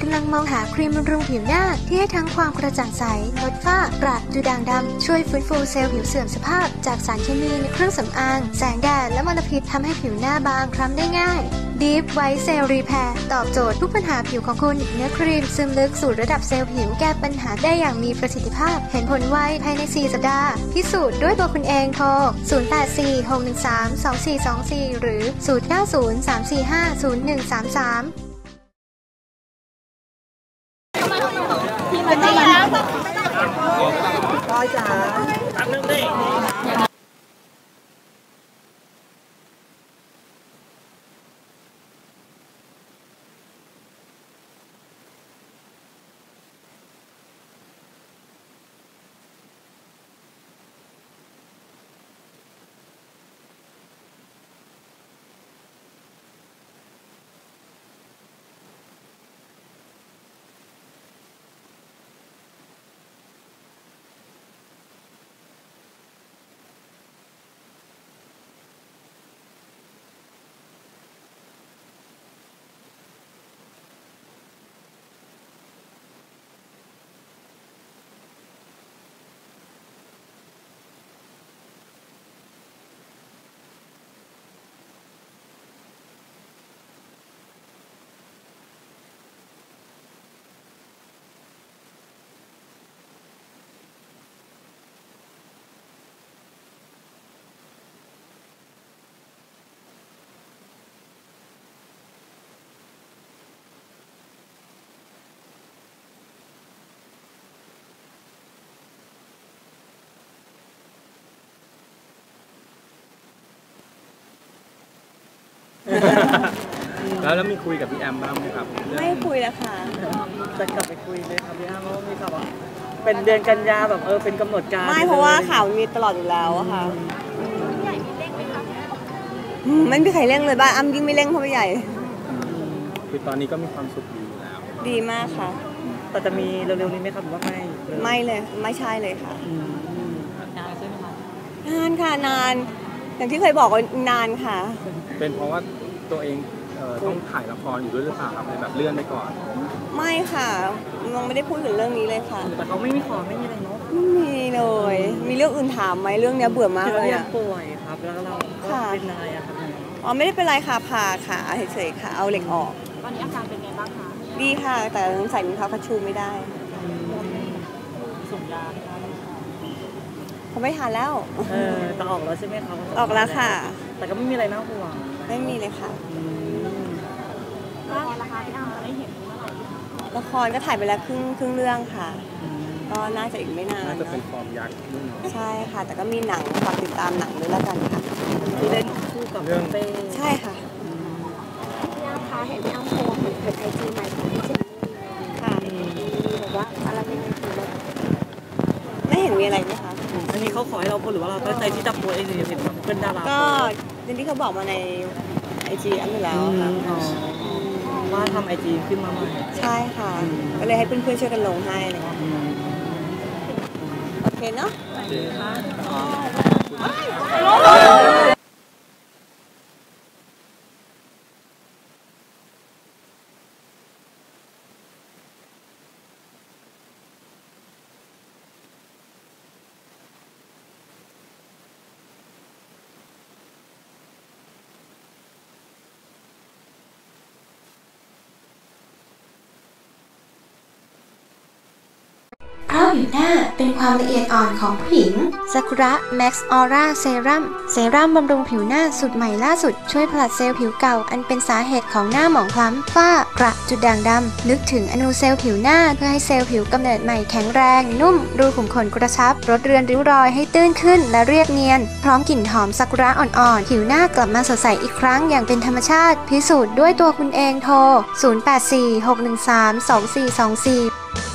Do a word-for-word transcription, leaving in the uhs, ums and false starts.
ำลังมองหาครีมบำรุงผิวหน้าที่ให้ทั้งความกระจ่างใสลดฝ้ากระดูด่างดำช่วยฟื้นฟูเซลล์ผิวเสื่อมสภาพจากสารเคมีในเครื่องสำอางแสงแดดและมลพิษทำให้ผิวหน้าบางคล้ำได้ง่าย Deep White Cell Repair ตอบโจทย์ทุกปัญหาผิวของคุณเนื้อครีมซึมลึกสู่ระดับเซลล์ผิวแก้ปัญหาได้อย่างมีประสิทธิภาพเห็นผลไวภายในสี่สัปดาห์พิสูจน์ด้วยตัวคุณเองโทรศูนย์ แปด สี่ หก หนึ่ง สาม สอง สี่ สอง สี่หรือศูนย์ เก้า ศูนย์ สาม สี่ ห้า ศูนย์ หนึ่ง สาม สามเป็นไงแล้วก้อยจ๋าตามนึงดิแล้วแล้วมีคุยกับพี่แอมบ้างไหมครับไม่คุยแล้วค่ะจะกลับไปคุยเลยครับพี่แอมเพราะมีข่าวว่าเป็นเดือนกันยาแบบเออเป็นกำหนดการไม่เพราะว่าข่าวมีตลอดอยู่แล้วอะค่ะใหญ่มีเร่งไหมคะไม่มีใครเร่งเลยบ้านอ้ำยิ่งไม่เร่งเพราะใหญ่คือตอนนี้ก็มีความสุขดีอยู่แล้วดีมากค่ะแต่จะมีเร็วๆนี้ไหมครับหรือว่าไม่ไม่เลยไม่ใช่เลยค่ะนานใช่ไหมคะนานค่ะนานอย่างที่เคยบอกว่านานค่ะเป็นเพราะว่าตัวเองต้องถ่ายละครอยู่ด้วยหรือเปล่าครับเลยแบบเลื่อนไปก่อนไม่ค่ะน้องไม่ได้พูดถึงเรื่องนี้เลยค่ะแต่เขาไม่มีขอไม่มีอะไรเนาะไม่มีเลยมีเรื่องอื่นถามไหมเรื่องนี้เบื่อมากเลยอะป่วยครับแล้วเราก็เป็นอะไรอะครับอ๋อไม่ได้เป็นไรค่ะผ่าขาเฉยๆค่ะเอาเหล็กออกตอนนี้อาการเป็นไงบ้างคะดีค่ะแต่ใส่รองเท้าคัชชูไม่ได้ส่งยาเขาไม่ทานแล้วเออแต่ออกแล้วใช่ไหมคะออกแล้วค่ะแต่ก็ไม่มีอะไรน่าห่วงไม่มีเลยค่ะละครราคาที่เราจะได้เห็นเมื่อไหร่ละครก็ถ่ายไปแล้วครึ่งครึ่งเรื่องค่ะก็น่าจะอีกไม่นานน่าจะเป็นฟอร์มยักษ์ใช่ค่ะแต่ก็มีหนังฝากติดตามหนังด้วยแล้วกันค่ะที่เล่นคู่กับเรื่องเต้ใช่ค่ะพี่อ้ำคะเห็นพี่อ้ำโพสต์เปิดไอจีใหม่ของพี่เจนนี่ค่ะบอกว่าอะไรไม่มีไม่เห็นมีอะไรไหมคะอันนี้เขาขอให้เราโพสหรือว่าเราตั้งใจที่จะโพสเองหรือเป็นเพื่อนดาราก็อย่างที่เขาบอกมาในไอจีอันนี้แล้วค่ะว่าทำไอจีขึ้นมาใหม่ใช่ค่ะก็เลยให้เพื่อนๆช่วยกันลงให้เลยโอเคเนาะโอเคค่ะเพราะผิวหน้าเป็นความละเอียดอ่อนของผู้หญิงซากุระแม็กซ์ออร่าเซรั่มเซรั่มบำรุงผิวหน้าสูตรใหม่ล่าสุดช่วยผลัดเซลล์ผิวเก่าอันเป็นสาเหตุของหน้าหมองคล้ำฝ้ากระจุดด่างดำลึกถึงอนูเซลล์ผิวหน้าเพื่อให้เซลล์ผิวกำเนิดใหม่แข็งแรงนุ่มรูขุมขนกระชับลดเรือนริ้วรอยให้ตื้นขึ้นและเรียบเนียนพร้อมกลิ่นหอมซากุระอ่อนๆผิวหน้ากลับมาสดใสอีกครั้งอย่างเป็นธรรมชาติพิสูจน์ด้วยตัวคุณเองโทรศูนย์ แปด สี่ หก หนึ่ง สาม สอง สี่ สอง สี่